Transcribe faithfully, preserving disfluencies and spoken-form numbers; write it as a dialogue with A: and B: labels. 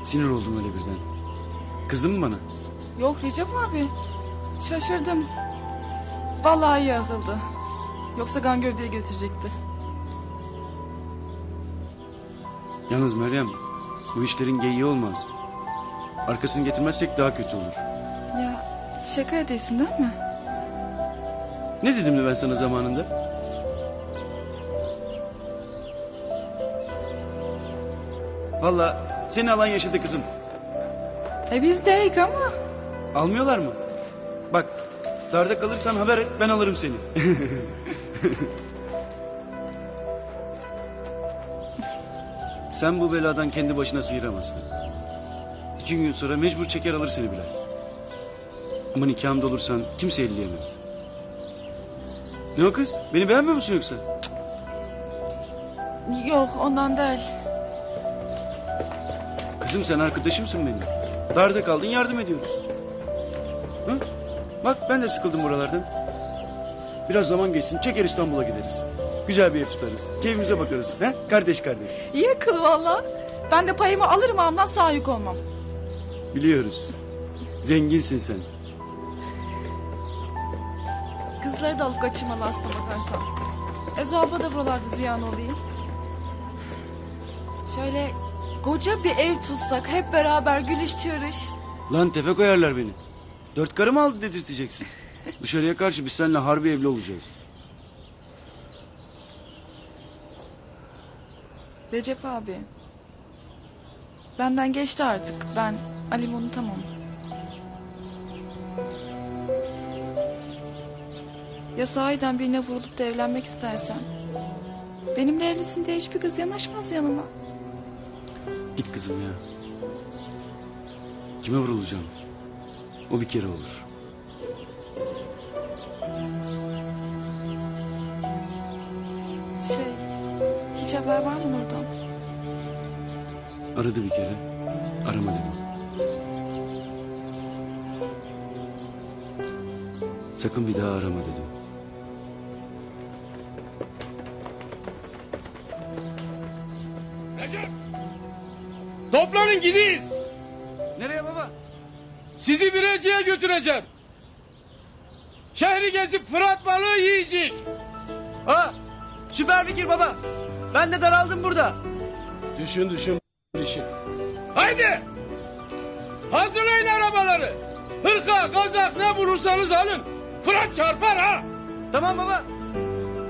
A: Sinir oldum öyle birden. Kızdın mı bana?
B: Yok Recep abi. Şaşırdım. Vallahi iyi akıldı. Yoksa kan gövdeye götürecekti.
A: Yalnız Meryem, bu işlerin geyiği olmaz. Arkasını getirmezsek daha kötü olur.
B: Ya şaka edesin değil mi?
A: Ne dedim de ben sana zamanında? Vallahi seni alan yaşadı kızım.
B: E biz deyik ama.
A: Almıyorlar mı? Bak, darda kalırsan haber et, ben alırım seni. Sen bu beladan kendi başına sıyıramazsın. İki gün sonra mecbur çeker alır seni Bilal. Ama nikahımda olursan kimse elleyemez. Ne o kız? Beni beğenmiyor musun yoksa?
B: Yok ondan değil.
A: Kızım sen arkadaşımsın benim. Darda kaldın, yardım ediyoruz. Hı? Bak ben de sıkıldım buralardan. Biraz zaman geçsin, çeker İstanbul'a gideriz. Güzel bir ev tutarız. Keyfimize bakarız. He? Kardeş kardeş.
B: İyi akıl valla. Ben de payımı alırım ağamdan, sağ yük olmam.
A: Biliyoruz. Zenginsin sen.
B: Kızları da alıp kaçırmalı aslına bakarsan. Ezo abla da buralarda ziyan olayım. Şöyle koca bir ev tutsak, hep beraber gülüş çığırış.
A: Lan tepe koyarlar beni. Dört karı mı aldı dedirteceksin. Dışarıya karşı biz seninle harbi evli olacağız.
B: Recep abi. Benden geçti artık. Ben Ali'mi unutamam. Ya sahiden birine vurulup da evlenmek istersen, benimle evlisin diye hiçbir kız yanaşmaz yanına.
A: Git kızım ya. Kime vurulacağım? O bir kere olur.
B: Şey, hiç haber var mı Nur'dan?
A: Aradı bir kere. Arama dedim. Sakın bir daha arama dedim.
C: Recep! Toplanın gideyiz.
A: Nereye baba?
C: Sizi Birecik'e götüreceğim. Şehri gezip Fırat balığı yiyecek.
A: Ha, süper fikir baba. Ben de daraldım burada.
C: Düşün düşün işi. Haydi! Hazırlayın arabaları. Hırka, kazak ne bulursanız alın. Fırat çarpar ha.
A: Tamam baba.